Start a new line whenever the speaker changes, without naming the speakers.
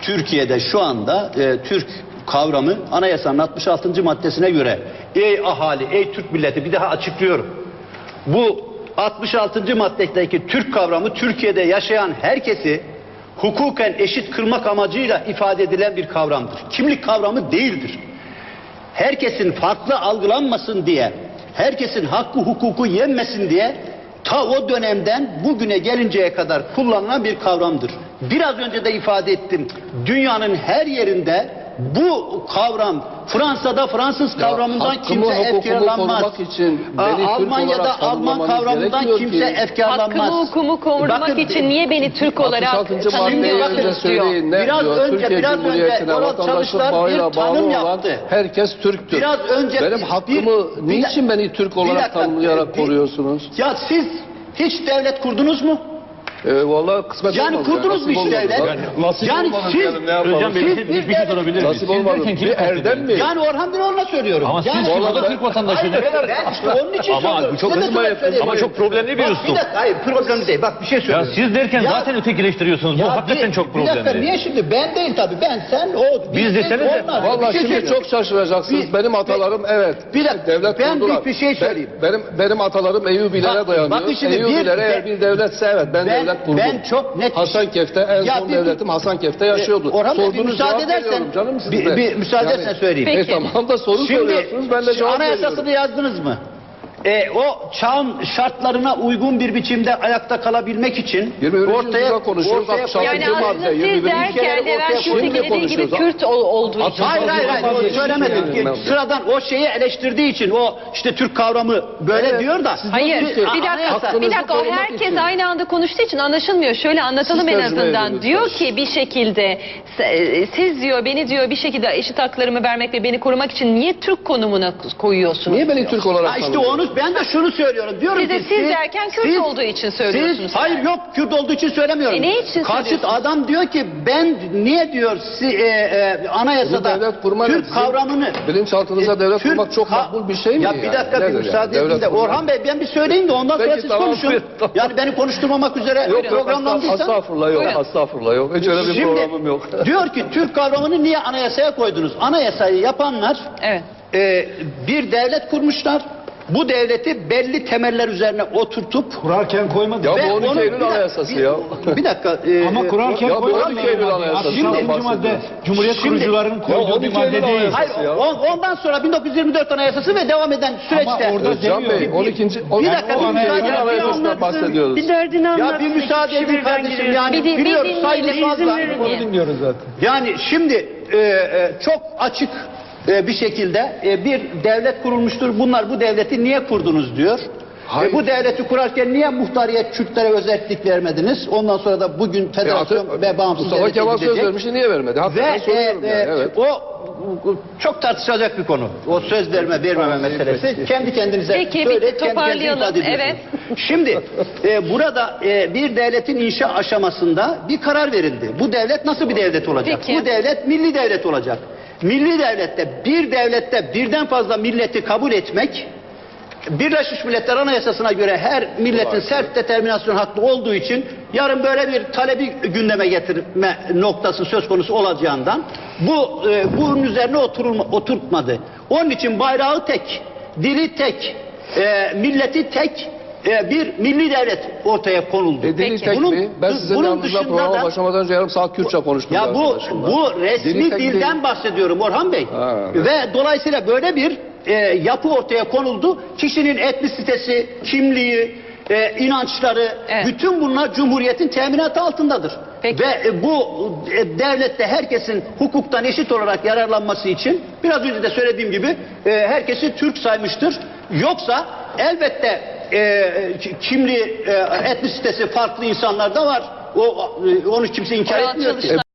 Türkiye'de şu anda Türk kavramı anayasanın 66. maddesine göre ey ahali, ey Türk milleti, bir daha açıklıyorum. Bu 66. maddedeki Türk kavramı Türkiye'de yaşayan herkesi hukuken eşit kılmak amacıyla ifade edilen bir kavramdır. Kimlik kavramı değildir. Herkesin farklı algılanmasın diye, herkesin hakkı hukuku yenmesin diye ta o dönemden bugüne gelinceye kadar kullanılan bir kavramdır. Biraz önce de ifade ettim. Dünyanın her yerinde bu kavram, Fransa'da Fransız kavramından kimse efkarlanmaz. Almanya'da Alman kavramından kimse efkarlanmaz.
Hakkımı hukumu korumak için niye beni Türk olarak tanımlıyorsunuz diyor.
Biraz önce oral çalışlar bir tanım yaptı.
Herkes Türktür.
Biraz önce
benim hakkımı niçin beni Türk olarak tanımlayarak koruyorsunuz?
Ya siz hiç devlet kurdunuz mu?
Vallahi kısmet
yani
olmadı.
kurdunuz mu hiç devlet? Yani siz
Hocam bir şey sorabilir miyim?
Nasip olmadı. Bir erdem mi?
Yani Orhan Binoğlu'na söylüyorum.
Ama siz burada Türk vatandaşı.
Ben işte onun için söylüyorum.
Ama çok problemli bir üslup.
Bir dakika, hayır problemli değil. Bak bir şey söylüyorum.
Ya siz derken zaten ötekileştiriyorsunuz. Bu hakikaten çok problemli.
Bir dakika, niye şimdi? Ben değil tabii. Ben, sen, o.
Biz deseniz de.
Vallahi şimdi çok şaşıracaksınız. Benim atalarım evet.
Bir dakika,
devlet
ben
kurdular.
bir şey söyleyeyim.
Benim atalarım Eyyubilere dayanıyor.
Bakın şimdi
Eyyubilere eğer bir devletse evet ben devlet kurdum.
Ben çok net
Hasankeyf'te en son devletim Hasankeyf'te yaşıyordu.
Orhan Bey, bir müsaade edersen bir müsaade edersen söyleyeyim.
Peki. Tamam da soru soruyorsunuz ben de cevap veriyorum.
Anayasasını yazdınız mı? O çağın şartlarına uygun bir biçimde ayakta kalabilmek için
ortaya konuşuyoruz.
Yani aslında siz derken Levent Kürt'e dediği gibi Kürt olduğu için.
Hayır söylemedim. Sıradan o şeyi eleştirdiği için o işte Türk kavramı böyle diyor da.
Hayır bir dakika o herkes aynı anda konuştuğu için anlaşılmıyor. Şöyle anlatalım en azından. Diyor ki bir şekilde siz diyor beni diyor bir şekilde eşit haklarımı vermek ve beni korumak için niye Türk konumuna koyuyorsunuz?
Niye beni Türk olarak
işte onu ben de şunu söylüyorum. Diyorum
siz de
ki
siz derken Kürt olduğu için söylüyorsunuz.
Hayır yok Kürt olduğu için söylemiyorum.
Ne için
Karşıt adam diyor ki ben niye diyor anayasada Türk kavramını
bilinçaltınıza devlet kurmak çok makbul bir şey mi?
Ya bir dakika bir müsaade edin de Orhan Bey ben bir söyleyeyim de ondan sonra siz konuşun. Yani beni konuşturmamak üzere programlandıysan.
Estağfurullah yok. Hiç öyle bir programım yok.
Diyor ki Türk kavramını niye anayasaya koydunuz? Anayasayı yapanlar bir devlet kurmuşlar. Bu devleti belli temeller üzerine oturtup
kurarken koymadı.
Ya bu 12 Eylül Anayasası ya.
Bir dakika.
Ama kurarken koymadı.
12 Eylül Anayasası.
Şimdi madde Cumhuriyet kurucularının koyduğu bir madde değil.
Hayır, ondan sonra 1924 Anayasası ve devam eden süreçte.
Ama orada
Bey 12.
Bir dakika bir müsaade
Anayasasından bahsediyoruz.
Bir derdini anlatsın.
Ya bir müsaade edin kardeşim yani biliyoruz sayılı fazla.
Onu dinliyoruz zaten.
Yani şimdi çok açık bir şekilde bir devlet kurulmuştur. Bunlar bu devleti niye kurdunuz diyor. Bu devleti kurarken niye muhtariyet Kürtlere özellik vermediniz? Ondan sonra da bugün federasyon ve bağımsız devlete gidecek.
Mustafa Kemal söz vermişti niye vermedi?
Ve o çok tartışılacak bir konu. O söz vermeme meselesi. Kendi kendinize
söyleyip toparlayalım. Evet.
Şimdi burada bir devletin inşa aşamasında bir karar verildi. Bu devlet nasıl bir devlet olacak?
Peki.
Bu devlet milli devlet olacak. Milli devlette birden fazla milleti kabul etmek Birleşmiş Milletler Anayasası'na göre her milletin self determinasyon hakkı olduğu için yarın böyle bir talebi gündeme getirme noktası söz konusu olacağından bunun üzerine oturtmadı. Onun için bayrağı tek, dili tek, milleti tek bir milli devlet ortaya konuldu.
Dili tek mi? Ben sizin yanınızda programa başlamadan önce yarım saat Kürtçe konuştum.
Ya bu resmi dilden bahsediyorum Orhan Bey. Ve dolayısıyla böyle bir yapı ortaya konuldu. Kişinin etnisitesi, kimliği, inançları, bütün bunlar Cumhuriyet'in teminatı altındadır.
Peki.
Ve bu devlette herkesin hukuktan eşit olarak yararlanması için biraz önce de söylediğim gibi herkesi Türk saymıştır. Yoksa elbette kimliği, etnisitesi farklı insanlar da var. Onu kimse inkar etmiyor ki.